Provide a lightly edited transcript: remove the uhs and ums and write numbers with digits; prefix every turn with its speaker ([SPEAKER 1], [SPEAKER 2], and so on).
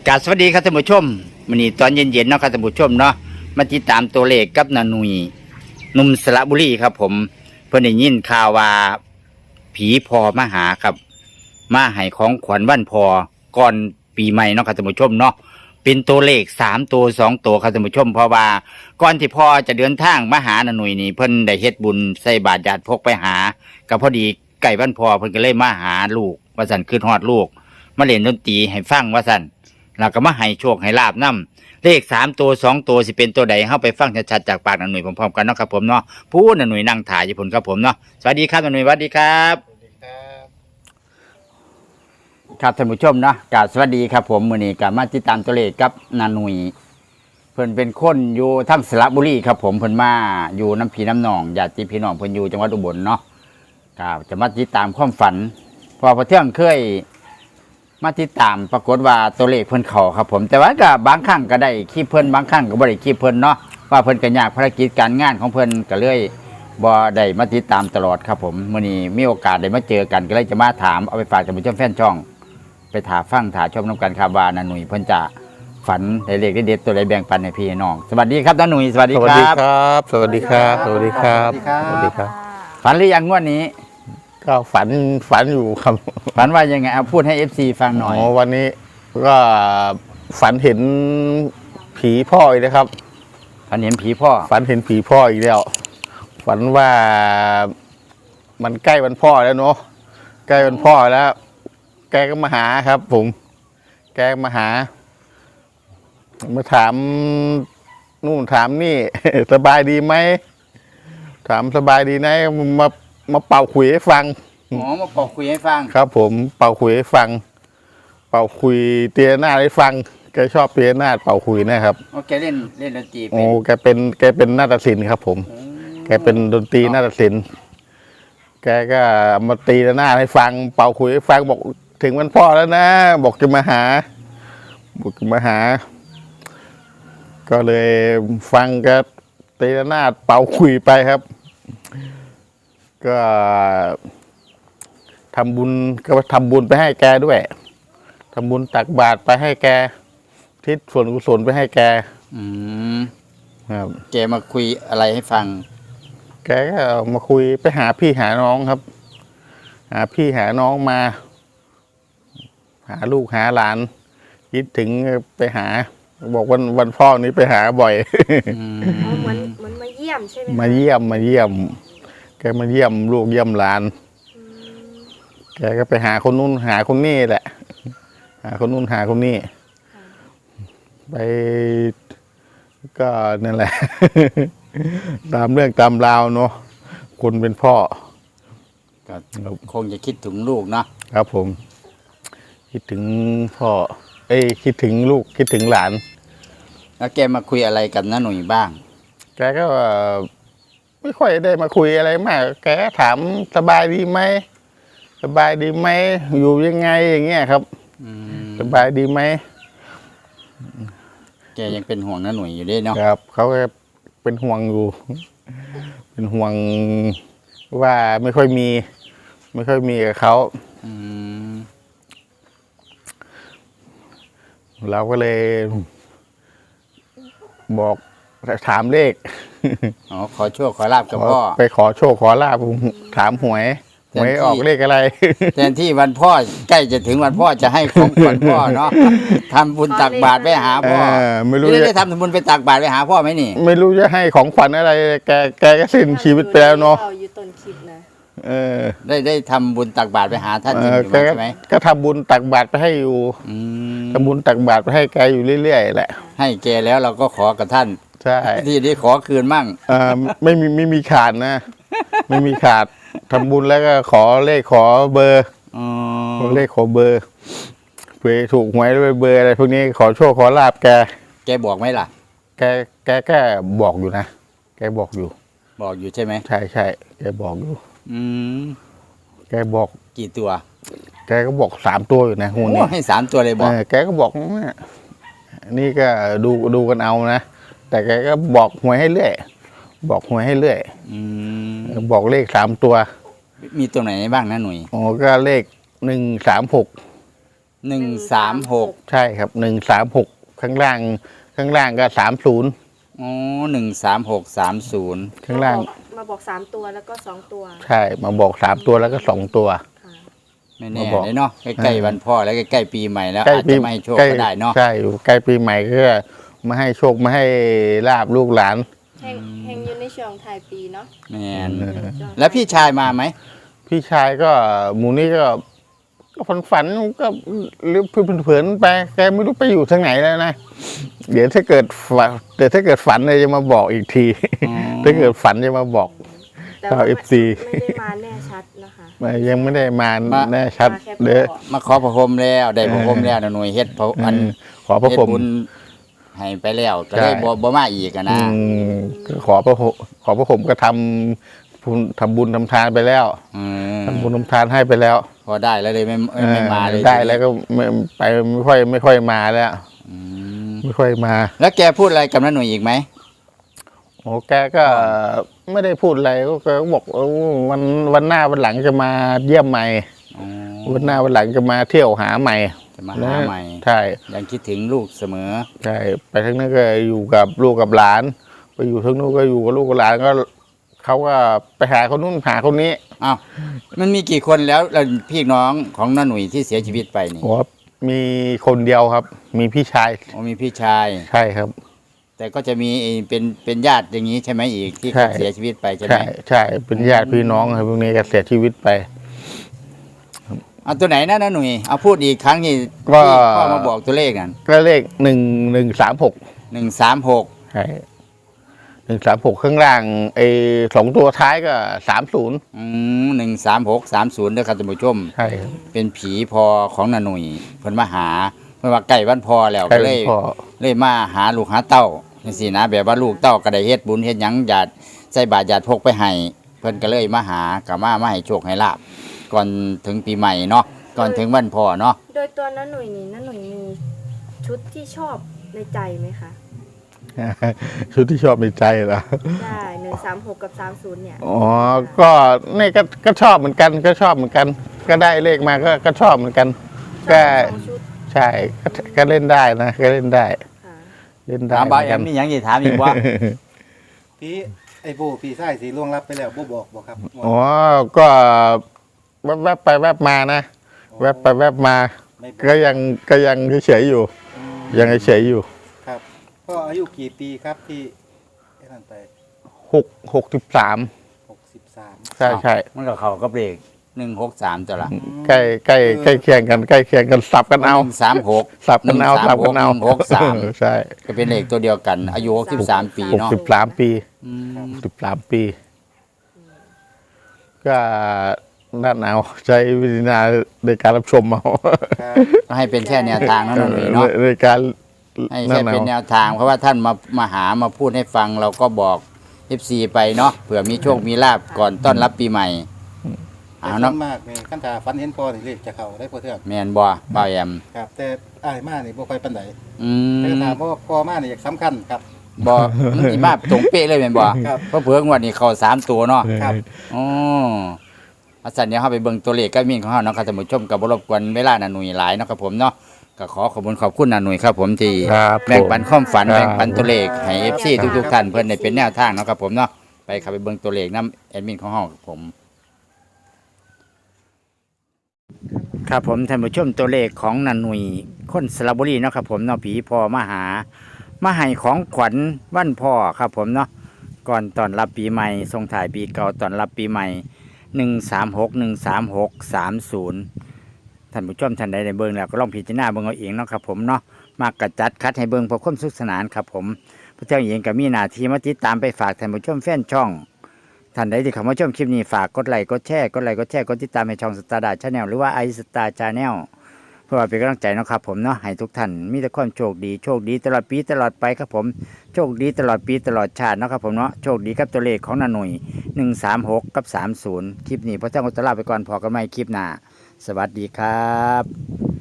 [SPEAKER 1] กราบสวัสดีครับท่านผู้ชมวันนี้ตอนเย็นๆเนาะครับท่านผู้ชมเนาะมาติดตามตัวเลขกับนาหนุยหนุ่มสระบุรีครับผมเพิ่นได้ยินข่าวว่าผีพอมาหาครับมาให้ของขวัญวันพอก่อนปีใหม่เนาะครับท่านผู้ชมเนาะเป็นตัวเลข3ตัว2ตัวครับท่านผู้ชมเพราะว่าก่อนที่พ่อจะเดินทางมาหานาหนุยนี่เพิ่นได้เฮ็ดบุญใส่บาตรญาติพกไปหาก็พอดีใกล้วันพอเพิ่นก็เลยมาหาลูกว่าซั่นคือฮอดลูกมาเล่นดนตรีให้ฟังว่าซั่นแล้วก็มาให้โชคให้ลาบนำเลข3ตัว2ตัวสิเป็นตัวใดเฮาไปฟังชัดๆจากปากนาหนุยพร้อมๆกันเนาะครับผมเนาะผู้นาหนุยนั่งถ่ายอยู่พุ่นครับผมเนาะสวัสดีครับนาหนุยสวัสดีครับครับท่านผู้ชมเนาะกราบสวัสดีครับผมมื้อนี้ก็มาติดตามตัวเลขกับนาหนุยเพิ่นเป็นคนอยู่ทางสระบุรีครับผมเพิ่นมาอยู่น้ำพี่น้ำหนองญาติพี่น้องเพิ่นอยู่จังหวัดอุบลเนาะครับจะมาติดตามความฝันพอเที่ยงเคยมาติดตามปรากฏว่าตัวเลขเพิ่นเข้าครับผมแต่ว่าก็บางครั้งก็ได้คลิปเพิ่นบางครั้งก็บ่ได้คลิปเพิ่นเนาะว่าเพิ่นก็ยากภารกิจการงานของเพิ่นก็เลยบ่ได้มาติดตามตลอดครับผมมื้อนี้มีโอกาสได้มาเจอกันก็เลยจะมาถามเอาไปฝากท่านผู้ชมแฟนช่องไปถาฟังถาชมนํกันครับว่านาหนุ่ยเพิ่นจะฝันได้เลขเด็ดๆตัวใดแบ่งปันให้พี่น้องสวัสดีครับนาหนุ่ยสวัสดีครับ
[SPEAKER 2] สวัสดีครับ สวัสดีครับ สวัสดีครับ
[SPEAKER 1] สวัสดีครับ
[SPEAKER 2] ครับ
[SPEAKER 1] ฝันหรือยังงวดนี้
[SPEAKER 2] ก็ฝันอยู่ครับ
[SPEAKER 1] ฝันว่ายังไงเอาพูดให้ FC ฟังหน่อย
[SPEAKER 2] วันนี้ก็ฝันเห็นผีพ่ออีกนะครับ
[SPEAKER 1] ฝันเห็นผีพ่อ
[SPEAKER 2] ฝันเห็นผีพ่ออีกแล้ว ฝันว่ามันใกล้วันพ่อแล้วเนาะ ใกล้วันพ่อแล้ว แกก็มาหาครับ ผม แกมาหา มาถามนู่นถามนี่ สบายดีไหม ถามสบายดีไหมมาเป่าขุยให้ฟัง
[SPEAKER 1] หมอมาบอกคุยให้ฟัง
[SPEAKER 2] ครับผมเป่าขุยให้ฟัง เป่าขุยเตียหน้าให้ฟังแกชอบเตียหน้าเป่าขุยนะครับ
[SPEAKER 1] โอเคเล่นดนตรี
[SPEAKER 2] โอ้แกเป็นนาฏศิลป์ครับ ผม แกเป็นดนตรีนาฏศิลป์แกก็มาตีหน้าให้ฟัง เป่าขุยให้ฟังบอกถึงวันพ่อแล้วนะ บอกจะมาหา บอกจะมาหา ก็เลยฟังก็ตีหน้าเป่าขุยไปครับ ก็ทำบุญไปให้แกด้วยทำบุญตักบาตรไปให้แกทิศส่วนกุศลไปให้แก
[SPEAKER 1] อืม
[SPEAKER 2] ครับ
[SPEAKER 1] แกมาคุยอะไรให้ฟัง
[SPEAKER 2] แกก็มาคุยไปหาพี่หาน้องครับ หาพี่หาน้องมา หาลูกหาหลานคิดถึงไปหา บอกวันพ่อนี้ไปหาบ่อย
[SPEAKER 3] อ๋อเหมือนมาเยี่ยมใช่ไหมคะ
[SPEAKER 2] มาเยี่ยม แกมาเยี่ยมลูกเยี่ยมหลาน
[SPEAKER 3] อืม
[SPEAKER 2] แกก็ไปหาคนนู้นหาคนนี้แหละ หาคนนู้นหาคนนี้ ไปก็นั่นแหละ ตามเรื่องตามราวเนาะคนเป็นพ่อ
[SPEAKER 1] ก็คงจะคิดถึงลูกเนาะ
[SPEAKER 2] ครับผม คิดถึงพ่อ คิดถึงลูกคิดถึงหลาน
[SPEAKER 1] แล้วแกมาคุยอะไรกับน้าหนุ่ยบ้าง
[SPEAKER 2] แกก็ไม่ค่อยได้มาคุยอะไรมาก แกก็ถามสบายดีไหมสบายดีไหมอยู่ยังไงอย่างเงี้ยครับ
[SPEAKER 1] อืม
[SPEAKER 2] สบายดีไหม
[SPEAKER 1] แกยังเป็นห่วงน้าหนุ่ยอยู่ด้วยเนาะ
[SPEAKER 2] ครับเขาก็เป็นห่วงอยู่ เป็นห่วงว่าไม่ค่อยมีกับเขา
[SPEAKER 1] อืม
[SPEAKER 2] เราก็เลยบอกถามเลข
[SPEAKER 1] อ๋อขอโชคขอลาบกับพ่อ
[SPEAKER 2] ไปขอโชคขอลาบถามหวยออกเลขอะไร
[SPEAKER 1] แทนที่วันพ่อใกล้จะถึงวันพ่อจะให้ของขวัญพ่อเนาะทำบุญตักบาตรไปหาพ่อ
[SPEAKER 2] ไม่รู้
[SPEAKER 1] นี่
[SPEAKER 2] จะ
[SPEAKER 1] ได้ทำบุญไปตักบาตรไปหาพ่อไหมนี่
[SPEAKER 2] ไม่รู้จะให้ของขวัญอะไร แกก็สิ้นชีวิตไปแล้วเนาะ
[SPEAKER 3] เราอยู่ต้นคลิปนะ
[SPEAKER 2] เออ
[SPEAKER 1] ได้ทำบุญตักบาตรไปหาท่านจริงอยู่
[SPEAKER 2] แก
[SPEAKER 1] ใช่ไหม
[SPEAKER 2] ก็ทำบุญตักบาตรไปให้อยู่
[SPEAKER 1] อืม
[SPEAKER 2] ทำบุญตักบาตรไปให้แกอยู่เรื่อยๆแหละ
[SPEAKER 1] ให้แกแล้วเราก็ขอกับท่าน
[SPEAKER 2] ใช่
[SPEAKER 1] ที่นี้ขอคืนมั่ง
[SPEAKER 2] ไม่มีขาดนะ ไม่มีขาดทำบุญแล้วก็ขอเลขขอเบอร์
[SPEAKER 1] อ๋อ
[SPEAKER 2] ขอเลขขอเบอร์เผื่อถูกหวยด้วยเบอร์อะไรพวกนี้ขอโชคขอลาบแก
[SPEAKER 1] แกบอกไหมล่ะ
[SPEAKER 2] แกก็บอกอยู่นะแกบอกอยู่
[SPEAKER 1] บอกอยู่ใช่ไหม
[SPEAKER 2] ใช่แกบอกอยู่
[SPEAKER 1] อืม
[SPEAKER 2] แกบอก
[SPEAKER 1] กี่ตัว
[SPEAKER 2] แกก็บอก3 ตัวอยู่นะหู
[SPEAKER 1] โอ้
[SPEAKER 2] นี้
[SPEAKER 1] ให้3 ตัวเลยบอก
[SPEAKER 2] แกก็บอกเนี่ยนี่ก็ดูกันเอานะแต่แกก็บอกหวยให้เรื่อยบอกหวยให้เรื่อย
[SPEAKER 1] อืม
[SPEAKER 2] บอกเลข3 ตัว
[SPEAKER 1] มีตัวไหนบ้างนะหนุ่ย
[SPEAKER 2] อ๋อก็เลข136
[SPEAKER 1] 136
[SPEAKER 2] ใช่ครับ136ข้างล่างก็30
[SPEAKER 1] อ๋อ13630
[SPEAKER 2] ข้างล่าง
[SPEAKER 3] มาบอก3ตัวแล้วก็2ตัว
[SPEAKER 2] ใช่มาบอก3 ตัวแล้วก็2 ตัว
[SPEAKER 3] ค่ะ
[SPEAKER 1] ไม่แน่
[SPEAKER 2] มาบอก
[SPEAKER 1] เลยเนาะใกล้ๆวันพ่อแล้วใกล้ๆปีใหม่แล้ว
[SPEAKER 2] ใกล้
[SPEAKER 1] อาจ
[SPEAKER 2] ปี
[SPEAKER 1] จะไม่ให้โชค
[SPEAKER 2] ใกล้
[SPEAKER 1] ก็ได้เนาะ
[SPEAKER 2] ใช่ใกล้ปีใหม่ก็มาให้โชคมาให้ลาบลูกหลาน
[SPEAKER 3] แห่งอยู่ในช่วงท้ายปีเนาะ
[SPEAKER 1] แม่น
[SPEAKER 3] ช่ง
[SPEAKER 1] แล้วพี่ชายมาไหม
[SPEAKER 2] พี่ชายก็หมูนี่ก็ฝันก็หรือเผินๆไปแกไม่รู้ไปอยู่ทางไหนแล้วนะเดี๋ยวถ้าเกิดฝันเลยจะมาบอกอีกที
[SPEAKER 1] อ๋อ
[SPEAKER 2] ถ้าเกิดฝันจะมาบอก
[SPEAKER 3] แต่ว่า
[SPEAKER 2] ชาว FC
[SPEAKER 3] ไม่ได้มาแน่ชัดนะคะ
[SPEAKER 2] ยังไม่ได้มาแน่ชัด
[SPEAKER 3] มาแค่
[SPEAKER 2] เด้อ
[SPEAKER 3] บอก
[SPEAKER 1] มาขอพระพรหมแล้วได้พระพรหมแล้วนะหน่วยเฮ็ดพระอัน
[SPEAKER 2] ขอพระ
[SPEAKER 1] เฮ็ด
[SPEAKER 2] ผม
[SPEAKER 1] บุญให้ไปแล้วก็เลย
[SPEAKER 2] ใช่
[SPEAKER 1] บ่มาอีกอะนะ
[SPEAKER 2] ก็ขอพระผมก็ทำบุญทำทานไปแล้ว
[SPEAKER 1] อืม
[SPEAKER 2] ทำบุญทำทานให้ไปแล้ว
[SPEAKER 1] พอได้แล้วเลยไม่มาเลย
[SPEAKER 2] ได้แล้วก็ไปไม่ค่อยมาแล้ว
[SPEAKER 1] อืม
[SPEAKER 2] ไม่ค่อยมา
[SPEAKER 1] แล้วแกพูดอะไรกับน้าหน่วยอีกไหม
[SPEAKER 2] โอ้แกก็ไม่ได้พูดอะไรก็บอกวันหน้าวันหลังจะมาเยี่ยมใหม่
[SPEAKER 1] อ๋อ
[SPEAKER 2] วันหน้าวันหลังจะมาเที่ยวหาใหม่
[SPEAKER 1] จะมาหาใหม่
[SPEAKER 2] ใช่
[SPEAKER 1] ยังคิดถึงลูกเสมอ
[SPEAKER 2] ใช่ไปทั้งนั้นก็อยู่กับลูกกับหลาน ไปอยู่ทั้งนู้นก็อยู่กับลูกกับหลานก็เขาก็ไปหาคนนู้นหาคนนี้
[SPEAKER 1] อ้าวมันมีกี่คนแล้วพี่น้องของน้าหนุ่ยที่เสียชีวิตไปนี่
[SPEAKER 2] โอ้มีคนเดียวครับ มีพี่ชาย
[SPEAKER 1] อ๋อมีพี่ชาย
[SPEAKER 2] ใช่ครับ
[SPEAKER 1] แต่ก็จะมีเป็นญาติอย่างนี้ใช่ไหมอีกที่
[SPEAKER 2] ใช่
[SPEAKER 1] เขาเสียชีวิตไปใช่ไหม
[SPEAKER 2] ใช่ใช่เป็นญาติพี่น้องครับพวกนี้ก็เสียชีวิตไป
[SPEAKER 1] เอาตัวไหนนะน้าหนุ่ยเอาพูดอีกครั้งที่
[SPEAKER 2] ก็
[SPEAKER 1] ที่พ่อมาบอกตัวเลขนั่น
[SPEAKER 2] ก็เลข1136
[SPEAKER 1] 136
[SPEAKER 2] ใช่136ข้างล่าง2 ตัวท้ายก็30
[SPEAKER 1] 13630ด้วยครับท่านผู้ชม
[SPEAKER 2] ใช่ครับ
[SPEAKER 1] เป็นผีพอของนาหนุ่ยเพิ่นมาหาเพิ่นว่าใกล้วันพอแล้ว
[SPEAKER 2] ใกล้
[SPEAKER 1] ก็เล
[SPEAKER 2] วัน
[SPEAKER 1] ย
[SPEAKER 2] พ่อ
[SPEAKER 1] เลยมาหาลูกหาเต้าจังซี่นะแบบว่าลูกเต้าก็ได้เฮ็ดบุญเฮ็ดหยังญาติใส่บาตรญาติพกไปให้เพิ่นก็เลยมาหาก็มาให้โชคให้ลาบก่อนถึงปีใหม่เนาะก่อนถึงวันพ่อเนาะ
[SPEAKER 3] โดยตัวน้าหนุ่ยนี่น้าหนุ่ยมีชุดที่ชอบในใจไหมคะ
[SPEAKER 2] ชุดที่ชอบในใจเหรอ
[SPEAKER 3] ได้136กับ30เนี่ย
[SPEAKER 2] อ๋อก็นี่ก็ชอบเหมือนกันก็ชอบเหมือนกัน ก็ได้เลขมาก็ชอบเหมือนกัน
[SPEAKER 3] ช
[SPEAKER 2] ก็
[SPEAKER 3] อบทั้งสองชุด
[SPEAKER 2] ใช่ก็เล่นได้นะก็เล่นได้
[SPEAKER 3] ค่ะ
[SPEAKER 2] เล่นได้
[SPEAKER 1] ถาม
[SPEAKER 2] เห
[SPEAKER 1] บ่า
[SPEAKER 2] มือน
[SPEAKER 1] แอ
[SPEAKER 2] กั
[SPEAKER 1] ม
[SPEAKER 2] น
[SPEAKER 1] มีหยังสิถามอีกว่า
[SPEAKER 4] พี่ไอ้โบพี่ไส้สีล่วงรับไปแล้วโบบอกครับ
[SPEAKER 2] อ๋อก็แวบไปแวบมานะแวบไปแวบมา
[SPEAKER 4] ไม่บอก
[SPEAKER 2] ก็ยังเฉยๆอยู่ ยังเฉยๆอยู่
[SPEAKER 4] ครับพ่ออายุกี่ปีครับที่ไอ้นั่นไป
[SPEAKER 2] 63
[SPEAKER 4] 63
[SPEAKER 2] ใช่ใช่
[SPEAKER 1] มันก็เข้ากับเลข163ตัวละ
[SPEAKER 2] ใกล้เคียงกันสับกันเอา
[SPEAKER 1] 136
[SPEAKER 2] สับกันเอาสับกันเอา
[SPEAKER 1] 163
[SPEAKER 2] ใช่
[SPEAKER 1] ก็เป็นเลขตัวเดียวกัน อายุ63ปีเนาะ
[SPEAKER 2] 63 ปี
[SPEAKER 1] อืม
[SPEAKER 2] 13 ปี ก็นั่นเอาใช้วิธีนาในการรับชมเอา
[SPEAKER 4] ครับ
[SPEAKER 1] ก็ให้เป็นแค่แนวทางเนาะน้าหนุ่ยเนาะ
[SPEAKER 2] ในการ
[SPEAKER 1] ให้
[SPEAKER 2] นั่
[SPEAKER 1] แค่
[SPEAKER 2] นเอา
[SPEAKER 1] เป็นแนวทางเพราะว่าท่านมาหามาพูดให้ฟังเราก็บอก FC ไปเนาะเผื่อมีโชคมีลาบก่อนต้อนรับปีใหม่
[SPEAKER 4] แต่
[SPEAKER 1] เอา
[SPEAKER 4] ส่
[SPEAKER 1] เนาะ
[SPEAKER 4] วนมากนี่ขั้นตาฟันเห็นพ่อนี่เลขจะเข้าได้พอเทื่อน
[SPEAKER 1] แมนบ่บ่าวแอม
[SPEAKER 4] ครับ แต่อ้ายมานี่บ่ค่อยปานใด
[SPEAKER 1] อื
[SPEAKER 4] แต่
[SPEAKER 1] ม
[SPEAKER 4] ถามว่าพ่อมานี่อยากสำคัญครับ
[SPEAKER 1] บ่มันสิมาตรงเป๊ะเลยแม่นบ่
[SPEAKER 4] ครับ
[SPEAKER 1] เพราะเผื่องวดนี้เข้า3ตัวเนาะ
[SPEAKER 4] ครับ
[SPEAKER 1] อ๋ออาจารย์เดี๋ยวเฮาไปเบิ่งตัวเลขกับมินของเฮาเนาะครับท่านผู้ชมก็บ่รบกวนเวลาน่ะหนุ่ยหลายเนาะครับผมเนาะก็ขอบคุณน่ะหนุ่ยครับผมที่
[SPEAKER 2] ครับ
[SPEAKER 1] แบ่งปันความฝัน
[SPEAKER 2] ครับ
[SPEAKER 1] แบ่งปันตัวเลขให้ FC ทุกๆท่านเพิ่นได้เป็นแนวทางเนาะครับผมเนาะไปครับไปเบิ่งตัวเลขนํแอดมินของเฮาครับผม ครับผมท่านผู้ชมตัวเลขของนันหนุยคนสระบุรีเนาะครับผมเนาะผีพ่อมาให้ของขวัญวันพ่อครับผมเนาะก่อนตอนรับปีใหม่ส่งถ่ายปีเก่าตอนรับปีใหม่136 136 30ท่านผู้ชมท่านใดได้เบิ่งแล้วก็ลองพิจารณาเบิ่งเอาเองเนาะครับผมเนาะมากระจัดคัดให้เบิ่งเพื่อความสุขสนานครับผมพระเจ้าเองก็มีหน้าที่มาติดตามไปฝากท่านผู้ชมแฟนช่องท่านใดที่เข้ามาชมคลิปนี้ฝากกดไลค์กดแชร์กดติดตามให้ช่องสตาร์ดาชาแนลหรือว่าไอสตาร์ชาแนลเพื่อเป็นกำลังใจเนาะครับผมเนาะให้ทุกท่านมีแต่ความโชคดีตลอดปีตลอดไปครับผมโชคดีตลอดปีตลอดชาติเนาะครับผมเนาะโชคดีกับตัวเลขของนาหนุ่ย136กับ30คลิปนี้พระเจ้าก็จะลาไปก่อนพอกันใหม่คลิปหน้าสวัสดีครับ